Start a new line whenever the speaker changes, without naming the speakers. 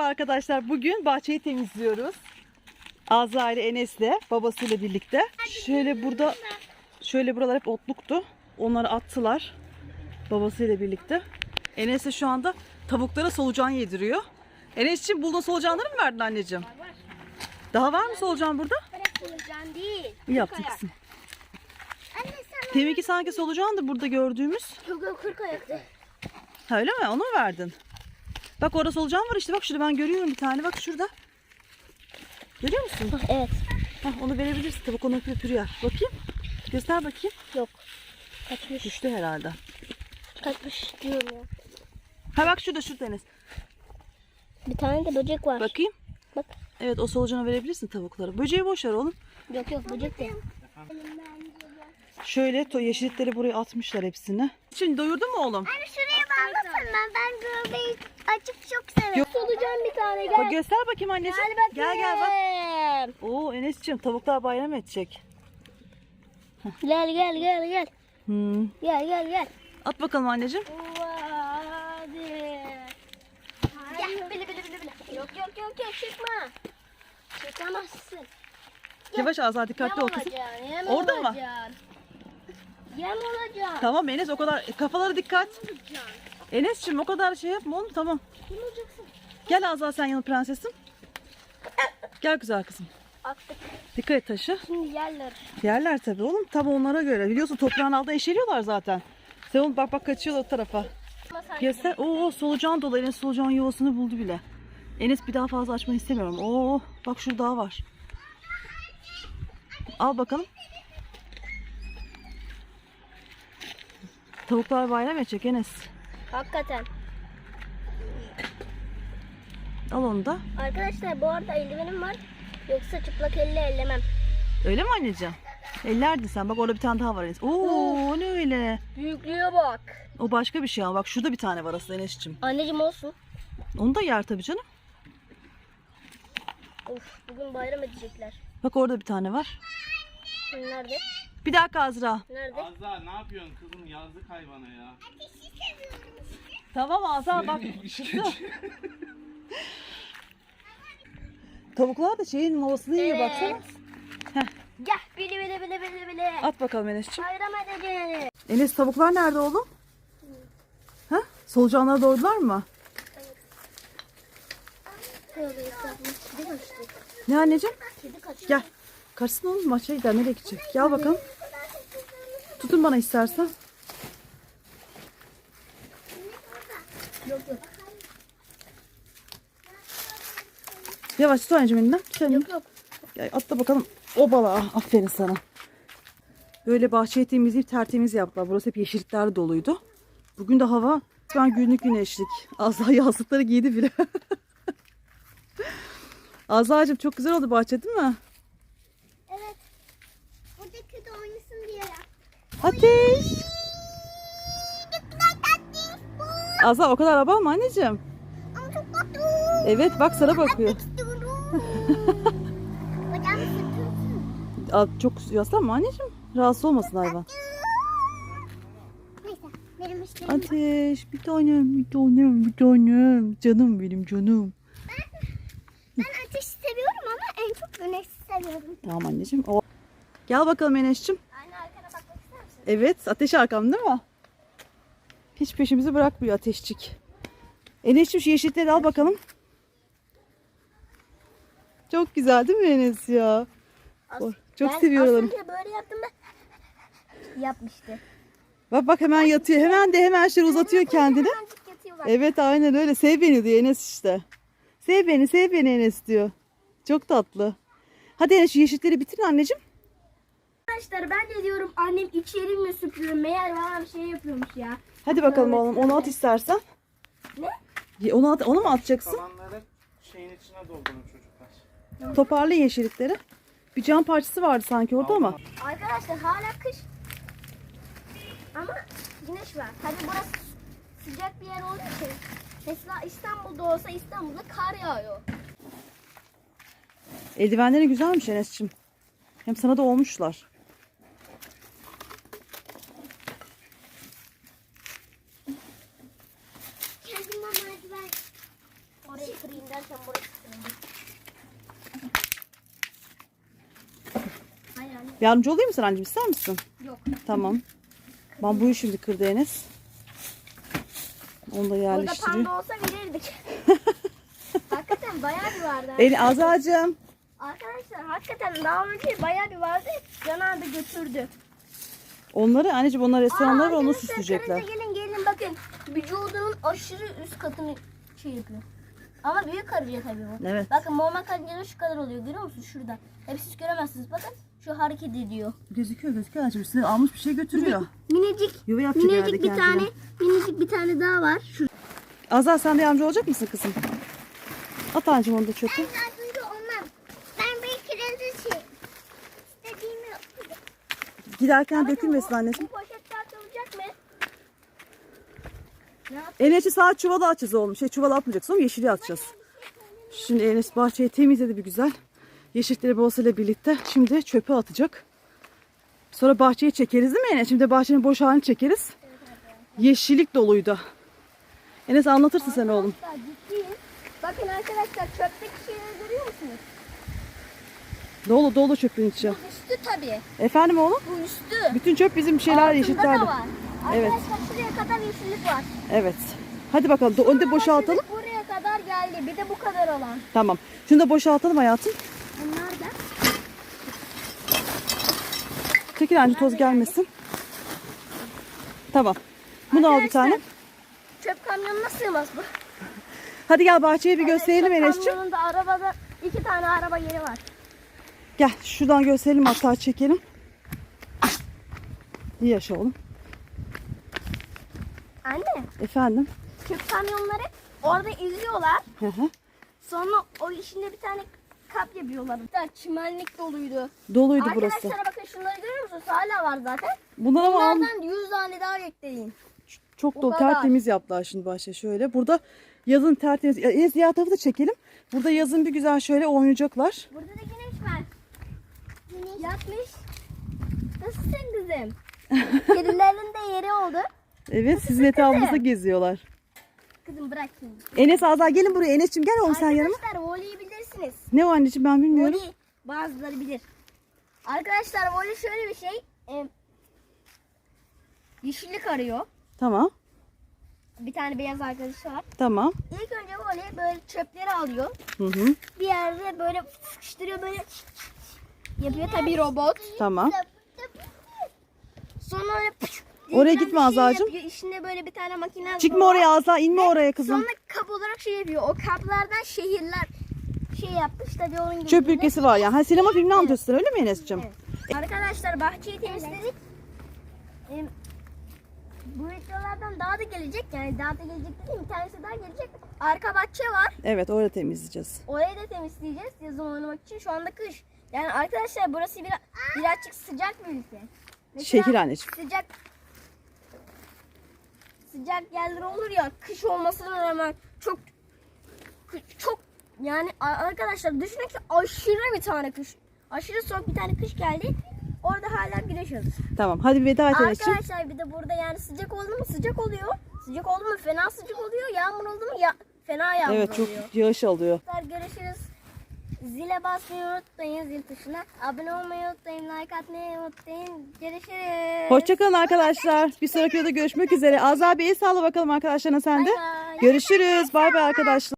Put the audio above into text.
arkadaşlar. Bugün bahçeyi temizliyoruz. Azra ile Enes'le babasıyla birlikte. Şöyle buralar hep otluktu. Onları attılar babasıyla birlikte. Enes de şu anda tavuklara solucan yediriyor. Enes'ciğim bulduğun solucanları mı verdin anneciğim?
Var.
Daha var mı solucan burada?
Solucan değil.
İyi yaptın kızım. Deminki sanki solucandı burada gördüğümüz.
Yok 40 ayaktı.
Ha, öyle mi? Onu mu verdin? Bak orada solucan var işte. Bak şurada ben görüyorum bir tane. Bak şurada. Görüyor musun?
Evet.
Hah, onu verebilirsin. Tavuk onu öpüyor. Bakayım. Göster bakayım.
Yok. Kaçmış.
Düştü herhalde.
Kaçmış diyorum ya.
Ha bak şurada Enes.
Bir tane de böcek var.
Bakayım.
Bak.
Evet o solucanı verebilirsin tavuklara. Böceği boş ver oğlum.
Yok böcek de.
Şöyle yeşillikleri buraya atmışlar hepsini. Şimdi doyurdun mu oğlum?
Anne şuraya bağlasın ben göbeği açık çok severim.
Yok.
Solucan bir tane gel.
Bak göster bakayım anneciğim. Gel bak. Oo Enes'ciğim tavuklar bayram edecek.
Gel. Gel.
At bakalım anneciğim.
Hadi. Gel bile. Yok çıkma. Çıkamazsın.
Yavaş Azra dikkatli ol kızım.
Yem
Orada mı?
Yem olacaksın.
Tamam Enes o kadar kafalara dikkat. Enes'ciğim o kadar şey yapma oğlum tamam.
Yem olacaksın.
Gel Azra sen yanı prensesim. Gel güzel kızım.
Attık.
Dikkat et taşı.
Şimdi yerler.
Yerler tabii oğlum. Tabii onlara göre. Biliyorsun toprağın altında eşeliyorlar zaten. Sen onu bak kaçıyorlar o tarafa. Göster. Oo solucan dolu. Enes solucan yuvasını buldu bile. Enes bir daha fazla açmanı istemiyorum. Oo bak şurada daha var. Al bakalım. Tavuklar bayram edecek Enes.
Hakikaten.
Al onu da.
Arkadaşlar bu arada eldivenim var. Yoksa çıplak elle ellemem.
Öyle mi anneciğim? Ellerdin sen. Bak orada bir tane daha var Enes. Oo ne öyle?
Büyüklüğe bak.
O başka bir şey ama. Bak şurada bir tane var aslında Enes'ciğim.
Anneciğim olsun.
Onu da yer tabii canım.
Of bugün bayram edecekler.
Bak orada bir tane var.
Nerede?
Bir dakika Azra.
Nerede?
Azra ne yapıyorsun kızım, yazdık hayvana ya.
Tamam Azra bak. Çıktı. Tavuklar da şeyin movasını yiyor baksana.
Gel bile.
At bakalım Enes'ciğim.
Bayram edeceğiz.
Enes tavuklar nerede oğlum? Ha? Solucanlara doydular mı?
Tövbe estağfurullah. Kedi kaçtı.
Ne anneciğim?
Kedi kaçtı.
Gel. Kaçsın oğlum maça gider. Nereye gidecek? Gel bakalım. Tutun bana istersen.
Yok.
Yavaş tut anneciğim elinden. Tut elinden.
Yok.
Gel, atla bakalım. O balığa. Aferin sana. Böyle bahçeyi temizleyip tertemiz yaptılar. Burası hep yeşilliklerle doluydu. Bugün de hava ben günlük güneşlik. Azra yazlıkları giydi bile. Azra'cığım çok güzel oldu bahçe değil mi?
Evet. Buradaki de oynasın diye yaptım.
Ateş. Azra o kadar abartma anneciğim.
Ama çok tatlı.
Evet bak sana bakıyor.
İstiyorum. Bacağımı sürtünsün.
Çok yaslanma anneciğim. Rahatsız olmasın hayvan.
Neyse. Benim işlerim var.
Ateş bir tanem. Canım benim canım.
Ben ateşi seviyorum ama en çok güneşi seviyorum.
Tamam anneciğim. Gel bakalım Enes'ciğim.
Anne arkana bakmak ister misin?
Evet ateş arkam değil mi? Hiç peşimizi bırakmıyor ateşçik. Enes'ciğim şu yeşillikleri al bakalım. Çok güzel değil mi Enes ya? Çok seviyorum.
Ben böyle yaptım ben. Yapmıştı.
Bak hemen yatıyor. Hemen şöyle uzatıyor kendini.
Hemencik yatıyor bak.
Evet aynen öyle. Sev beni diyor Enes işte. Sev beni Enes diyor. Çok tatlı. Hadi Enes şu yeşillikleri bitirin anneciğim.
Arkadaşlar ben de diyorum annem içeri mi süpürüyor? Meğer bana bir şey yapıyormuş ya.
Hadi bakalım oğlum onu at istersen.
Ne?
Onu mu atacaksın?
Kalanları şeyin içine doldurun çocuklar.
Toparla yeşillikleri. Bir cam parçası vardı sanki orada ama.
Arkadaşlar hala kış. Ama güneş var. Tabii burası sıcak bir yer olduğu için. Mesela İstanbul'da olsa İstanbul'da kar yağıyor.
Eldivenleri güzelmiş Enes'ciğim. Hem sana da olmuşlar.
Kendime merdiven
Orayı kırayım da. Derken burası kırıldı. Hayır anne.
Yardımcı olayım mı sana anneciğim, ister misin?
Yok.
Tamam. Bambuyu şimdi kırdı Enes. Onu da
Burada
yerleştiriyor.
panda olsa verirdik. Hakikaten bayağı bir vardı.
Azacığım.
Arkadaşlar hakikaten daha önce bayağı bir vardı. Can abi götürdü.
Onları anneciğim, onlar restoranlar onu
arkadaşlar,
süsleyecekler.
karınca gelin bakın. Vücudunun aşırı üst katını şey yapıyor. Ama büyük karınca tabii bu.
Evet.
Bakın normal karıncanın şu kadar oluyor. Görüyor musunuz şurada? Hep siz göremezsiniz. Bakın şu hareket ediyor.
Gözüküyor anneciğim. Size almış bir şey götürüyor.
Minicik.
Yuva yapacak herhalde
Minicik bir
kendine.
tane. Minicik bir tane daha var. Şu.
Azal, sen de yardımcı olacak mısın kızım? At anneciğim onu da çöpe.
Ben yardımcı olmam. Ben bir kirezi şey. İstediğimi yaparım.
Giderken dökülmesin anneciğim.
Bu poşetler atılacak mı?
Enes'i sağ çuvala atacağız oğlum. Çuvala atmayacaksın oğlum, yeşili atacağız. Şimdi Enes bahçeyi temizledi bir güzel. Yeşillikleri bolsayla birlikte şimdi çöpe atacak. Sonra bahçeyi çekeriz değil mi Enes? Şimdi bahçenin boş halini çekeriz. Yeşillik doluydu. Enes anlatırsın sen oğlum.
Arkadaşlar ciddiyim. Bakın arkadaşlar çöpteki şeyleri görüyor musunuz?
Dolu dolu çöpün içi.
Bu üstü tabii.
Efendim oğlum?
Bu üstü.
Bütün çöp bizim şeyler
Altında
yeşillerdi.
da var.
Evet.
Arkadaşlar şuraya kadar yeşillik var.
Evet. Hadi bakalım. Önde boşaltalım.
Yeşillik buraya kadar geldi. Bir de bu kadar alan.
Tamam. Şunu da boşaltalım hayatım.
Bunlar da.
Çekil anca toz gelmesin. Tamam. Bunu al bir tane.
Çöp kamyonuna sığmaz bu.
Hadi gel bahçeyi bir gösterelim
Çöp
Enes'ciğim.
kamyonunda arabada 2 tane araba yeri var.
Gel şuradan gösterelim, hatta çekelim. İyi yaşa oğlum.
Anne
Efendim.
çöp kamyonları orada izliyorlar.
Hı hı.
Sonra o işinde bir tane kap yapıyorlar. Bir tane çimenlik doluydu.
Doluydu burası.
Arkadaşlar bakın şunları görüyor musunuz? Hala var zaten.
Bunlar ama
Bunlardan 100 tane daha bekleyin.
çok
o
dolu,
kadar.
tertemiz yaptılar şimdi bahçe şöyle. Burada yazın tertemiz. Diğer tarafı da çekelim. Burada yazın bir güzel şöyle oynayacaklar.
Burada da güneş var. Güneş yatmış. Nasılsın kızım? Kedilerin de yeri oldu.
Evet, sizin etrafınızda geziyorlar.
Kızım bırak şimdi.
Enes, Azar gelin buraya. Enes'ciğim gel oğlum sen yanıma.
Arkadaşlar voleyi bilirsiniz.
Ne o anneciğim, ben bilmiyorum.
Voley bazıları bilir. Arkadaşlar voley şöyle bir şey. Yeşillik arıyor.
Tamam.
Bir tane beyaz arkadaşı var.
Tamam.
İlk önce voley böyle çöpleri alıyor.
Hı hı.
Bir yerde böyle sıkıştırıyor, böyle yapıyor tabii robot.
Tamam.
Sonra öyle
Oraya
diyeceğim
gitme
bir
Azra'cığım.
yapıyor. İçinde böyle bir tane makine
Çıkma
var.
oraya Azar, inme oraya kızım.
Sonra kap olarak şey yapıyor. O kaplardan şehirler şey yapmış. Tabii onun gibi.
Çöp ülkesi var ya. Ha, sinema filmini anlatıyorsun öyle mi Enes'ciğim?
Evet. Arkadaşlar bahçeyi temizledik. Bu videolardan daha da gelecek. Yani daha da gelecek dediğim bir tanesi daha gelecek. Arka bahçe var.
Evet, orada temizleyeceğiz.
Orayı da temizleyeceğiz yazın oynamak için. Şu anda kış. Yani arkadaşlar burası birazcık sıcak bir ülke. Mesela
Şehir anneciğim.
sıcak yerler olur ya, kış olmasına rağmen çok yani arkadaşlar düşünün ki aşırı bir tane kış. Aşırı soğuk bir tane kış geldi. Orada hala güneş alır.
Tamam, hadi veda et Enes'ciğim.
Arkadaşlar bir de burada yani sıcak oldu mu sıcak oluyor. Sıcak oldu mu fena sıcak oluyor. Yağmur oldu mu fena yağmur
Evet, çok
oluyor.
yağış alıyor.
Görüşürüz. Zile basmayı unutmayın, zil tuşuna. Abone olmayı unutmayın, like atmayı unutmayın. Görüşürüz.
Hoşçakalın arkadaşlar. Bir sonraki videoda görüşmek üzere. Azar Bey'i sağla bakalım arkadaşlarına sen de.
Bay bay.
Görüşürüz. Bay bay arkadaşlar.